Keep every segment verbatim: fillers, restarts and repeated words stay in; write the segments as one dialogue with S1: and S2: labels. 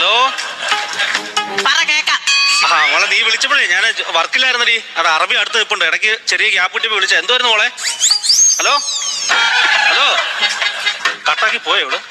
S1: Hello ആ മോളെ, നീ വിളിച്ചപ്പോഴേ ഞാൻ വർക്കിലായിരുന്നടി. അത് അറബി അടുത്ത് നിൽപ്പുണ്ട്. ഇടയ്ക്ക് ചെറിയ ഗ്യാപ്പ് കിട്ടിയപ്പോൾ വിളിച്ച. എന്തുവായിരുന്നു മോളെ? ഹലോ ഹലോ കട്ടാക്കി പോയോ ഇവിടെ?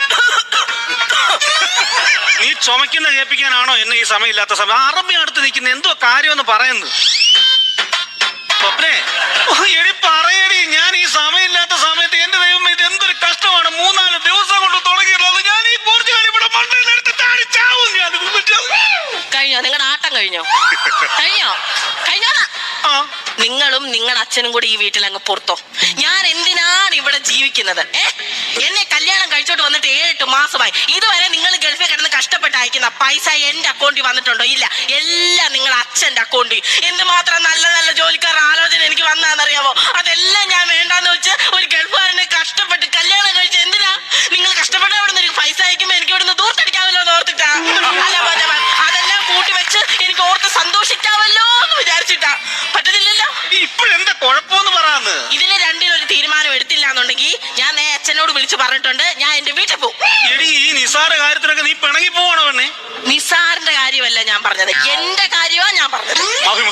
S1: നീ ചുമക്കുന്ന കേൾപ്പിക്കാനാണോ എന്നെ ഈ സമയമില്ലാത്ത സമയം? അറബി അടുത്ത് നിൽക്കുന്ന എന്തോ കാര്യമെന്ന് പറയുന്നു. സ്വപ്നേ എടി പറയടി, ഞാൻ ഈ സമയമില്ലാത്ത സമയത്ത് എന്റെ ദൈവം ഇത് എന്തൊരു കഷ്ടമാണ്. മൂന്നാല് ദിവസം കൊണ്ട് തുടങ്ങിയിട്ടുള്ളത്. ഞാൻ ഈ പോർച്ചുഗൽ ഇവിടെ മണ്ണിലെടുത്ത് ചാവും. ഞാൻ
S2: കഴിഞ്ഞോ? നിങ്ങളുടെ ആട്ടം കഴിഞ്ഞോ? കഴിഞ്ഞോ? കഴിഞ്ഞോ? നിങ്ങളും നിങ്ങളുടെ അച്ഛനും കൂടി ഈ വീട്ടിൽ അങ്ങ് പുറത്തോ. ഞാൻ എന്തിനാണ് ഇവിടെ ജീവിക്കുന്നത്? ഏ എന്നെ കല്യാണം കഴിച്ചോട്ട് വന്നിട്ട് ഏഴെട്ട് മാസമായി. ഇതുവരെ നിങ്ങൾ ഗൾഫിൽ കിടന്ന് കഷ്ടപ്പെട്ട് അയക്കുന്ന പൈസ എന്റെ അക്കൗണ്ടിൽ വന്നിട്ടുണ്ടോ? ഇല്ല. എല്ലാം നിങ്ങളുടെ അച്ഛന്റെ അക്കൗണ്ടിൽ. എന്തുമാത്രം നല്ല നല്ല ജോലിക്കാരുടെ ആലോചന എനിക്ക് വന്നാന്നറിയാമോ? അതെല്ലാം ഞാൻ വേണ്ടാന്ന് വെച്ച് ഒരു ഗൾഫുകാരനെ കഷ്ടപ്പെട്ട് കല്യാണം കഴിച്ച് എന്തിനാ? നിങ്ങൾ കഷ്ടപ്പെട്ട് അവിടെ നിന്ന് പൈസ അയക്കുമ്പോ എനിക്ക് ഇവിടുന്ന് ദൂർത്തടിക്കാമല്ലോ എന്ന് ഓർത്തിട്ടാ. അല്ല അതെല്ലാം കൂട്ടി വെച്ച് എനിക്ക് ഓർത്ത് സന്തോഷിക്കാമല്ലോ എന്ന് വിചാരിച്ചിട്ടാ. പറ്റത്തില്ലല്ലോ.
S1: ഇപ്പോഴെന്താ കുഴപ്പമെന്ന് പറയാന്ന്?
S2: ഇതിന് രണ്ടിനൊരു തീരുമാനം എടുത്തില്ല എന്നുണ്ടെങ്കിൽ ഞാൻ നേ അച്ഛനോട് വിളിച്ചു പറഞ്ഞിട്ടുണ്ട്. ഞാൻ എന്റെ വീട്ടിൽ പോകും.
S1: എടി ഈ നിസാര കാര്യത്തിനൊക്കെ നീ പിണങ്ങി പോവാണോ പെണ്ണേ?
S2: നിസാറിന്റെ കാര്യമല്ല ഞാൻ പറഞ്ഞത്, എന്റെ കാര്യമാണ് ഞാൻ പറഞ്ഞത്.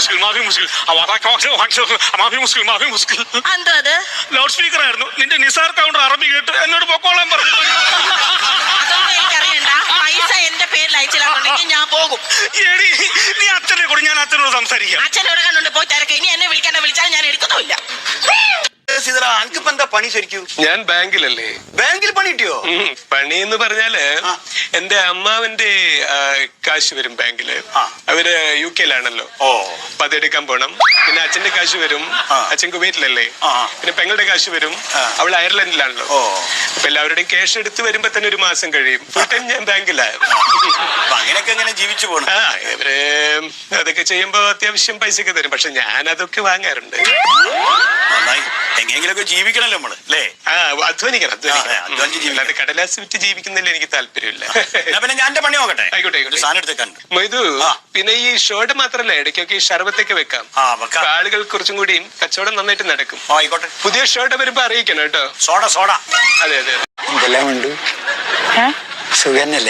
S2: എന്തോ അത്
S1: ലൗഡ് സ്പീക്കർ ആയിരുന്നു. നിന്റെ നിസാർ കൗണ്ടർ അറബി കേട്ട് എന്നോട് പൊക്കോളാൻ പറഞ്ഞു.
S2: അതൊന്നും എനിക്കറിയണ്ട. പൈസ എന്റെ പേരിൽ അയച്ചില്ലാന്നുണ്ടെങ്കിൽ ഞാൻ പോകും.
S1: എടി നീ അച്ഛനെ കൂടി, ഞാൻ അച്ഛനോട് സംസാരിക്കാം.
S2: അച്ഛനോട് കണ്ടുണ്ട് പോയി തിരക്ക്. ഇനി എന്നെ വിളിക്കണ്ട. വിളിച്ചാൽ ഞാൻ എടുക്കുന്നുമില്ല.
S3: എന്താ പണി ശരിക്കും?
S4: ഞാൻ ബാങ്കിലല്ലേ.
S3: ബാങ്കിൽ പണി കിട്ടിയോ?
S4: പണി എന്ന് പറഞ്ഞാല് എന്റെ അമ്മാവന്റെ കാശ് വരും ബാങ്കില്. അവര് യു കെയിലാണല്ലോ.
S3: ഓ
S4: അപ്പൊ അതെടുക്കാൻ പോണം. പിന്നെ അച്ഛന്റെ കാശ് വരും. അച്ഛൻ കുവൈറ്റിലല്ലേ. പിന്നെ പെങ്ങളുടെ കാശ് വരും. അവൾ അയർലൻഡിലാണല്ലോ. അപ്പൊ എല്ലാവരുടെയും ക്യാഷ് എടുത്ത് വരുമ്പോ തന്നെ ഒരു മാസം കഴിയും. ഫുൾ ടൈം ഞാൻ ബാങ്കിലായിരുന്നു.
S3: അങ്ങനെയൊക്കെ എങ്ങനെ ജീവിച്ചു പോകണം?
S4: ആ ഇവര് അതൊക്കെ ചെയ്യുമ്പോ അത്യാവശ്യം പൈസയൊക്കെ തരും. പക്ഷെ ഞാൻ അതൊക്കെ വാങ്ങാറുണ്ട്.
S3: എങ്ങനെയെങ്കിലൊക്കെ ജീവിക്കണല്ലോ നമ്മള് അല്ലേ?
S4: ആ അധ്വാനിക്കണം. അധ്വാനിക്കണം. അത് കടലാസ് വിറ്റ് ജീവിക്കുന്നതിൽ എനിക്ക് താല്പര്യമില്ല.
S3: പിന്നെ ഞാൻ എന്റെ പണി നോക്കട്ടെ.
S4: ആയിക്കോട്ടെ ആയിക്കോട്ടെ. സാധനം എടുത്തേക്കാണ്ട് മൊയ്തു. പിന്നെ ഈ ഷോർട്ട് മാത്രല്ല, ഇടയ്ക്കൊക്കെ ഈ ഷർബത്തൊക്കെ വെക്കാം. ആളുകൾ കുറച്ചും കൂടിയും കച്ചവടം നന്നായിട്ട് നടക്കും.
S3: ആയിക്കോട്ടെ.
S4: പുതിയ ഷോർട്ട് വരുമ്പോ അറിയിക്കണം കേട്ടോ.
S3: Soda soda.
S4: അതെ അതെ.
S5: എന്തെല്ലാം ഉണ്ട്? സുഖന്നല്ലേ?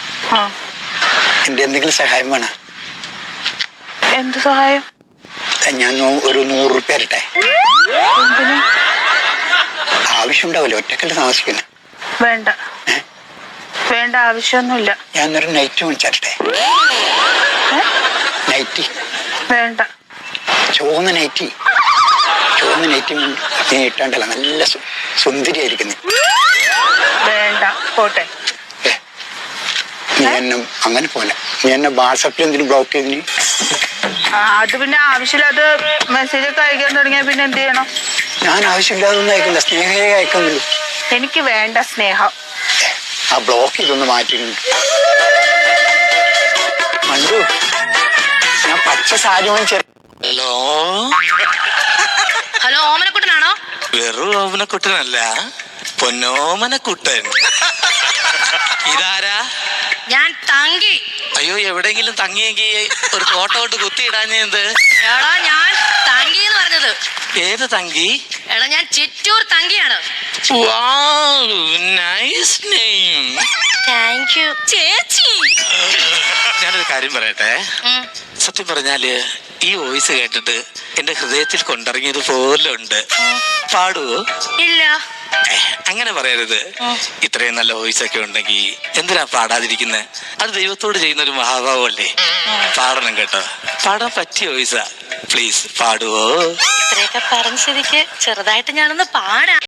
S5: എന്റെ എന്തെങ്കിലും സഹായം വേണം?
S6: എന്ത് സഹായം?
S5: ഞാൻ ഒരു നൂറ് റുപ്യ തരട്ടെ. ആവശ്യമുണ്ടാവില്ല, ഒറ്റക്കല്ല താമസിക്കുന്നത്.
S6: വേണ്ട വേണ്ട, ആവശ്യമൊന്നുമില്ല.
S5: ഞാനൊരു നൈറ്റ് മേടിച്ചരട്ടെ. നൈറ്റി
S6: വേണ്ട.
S5: ചുവന്ന നൈറ്റി. ചുവന്ന നൈറ്റി നീ ഇട്ടാണ്ടല്ല, നല്ല സുന്ദരിയായിരിക്കുന്നു.
S6: വേണ്ട, പോട്ടെ.
S5: നീ എന്നെ അങ്ങനെ പോലെ നീ എന്നെ വാട്സാപ്പിൽ എന്തിനു ബ്ലോക്ക് ചെയ്തിന്?
S6: അത് പിന്നെ ആവശ്യമില്ലാതെ മെസ്സേജ് ഒക്കെ അയക്കാൻ തുടങ്ങിയ പിന്നെ എന്ത് ചെയ്യണം?
S5: ഞാൻ ആവശ്യമില്ലാതെ ഒന്നും അയക്കില്ല, സ്നേഹയെ അയക്കുന്നുള്ളൂ.
S6: എനിക്ക് വേണ്ട സ്നേഹം.
S5: ആ ബ്ലോക്ക് ചെയ്തൊന്ന് മാറ്റിയിട്ടുണ്ട്. മണ്ടു, ഞാൻ പച്ച സാരി വാങ്ങിച്ച.
S1: ഹലോ
S2: ഹലോ, ഓമനക്കുട്ടനാണോ?
S1: വെറും ഓമനക്കുട്ടനല്ല, പൊന്നോമനക്കുട്ടൻ. ഇതാരാ?
S2: ഞാൻ തങ്കി.
S1: അയ്യോ, എവിടെയെങ്കിലും തങ്ങിയെങ്കിൽ ഒരു ഫോട്ടോ ഇട്ട് കുത്തിയിടാഞ്ഞത്.
S2: എടാ, ഞാൻ തങ്കി എന്ന് പറഞ്ഞത്.
S1: ഏത് തങ്കി?
S2: എടാ, ഞാൻ ചിറ്റൂർ തങ്കിയാണ്.
S1: Nice name.
S2: താങ്ക് യു ചേച്ചി.
S1: ഞാനൊരു കാര്യം പറയട്ടെ. സത്യം പറഞ്ഞാല് ഈ വോയിസ് കേട്ടിട്ട് എന്റെ ഹൃദയത്തിൽ കൊണ്ടിറങ്ങിയത് പോലെ ഉണ്ട്. പാടുവോ?
S2: ഇല്ല.
S1: അങ്ങനെ പറയരുത്. ഇത്രയും നല്ല വോയിസ് ഒക്കെ ഉണ്ടെങ്കിൽ എന്തിനാ പാടാതിരിക്കുന്നത്? അത് ദൈവത്തോട് ചെയ്യുന്ന ഒരു മഹാഭാവമല്ലേ. പാടണം കേട്ടോ. പാടാൻ പറ്റിയ വോയിസാ. പ്ലീസ് പാടുവോ?
S2: ഇത്രയൊക്കെ പറഞ്ഞ സ്ഥിതിക്ക് ചെറുതായിട്ട് ഞാനൊന്ന് പാടാം.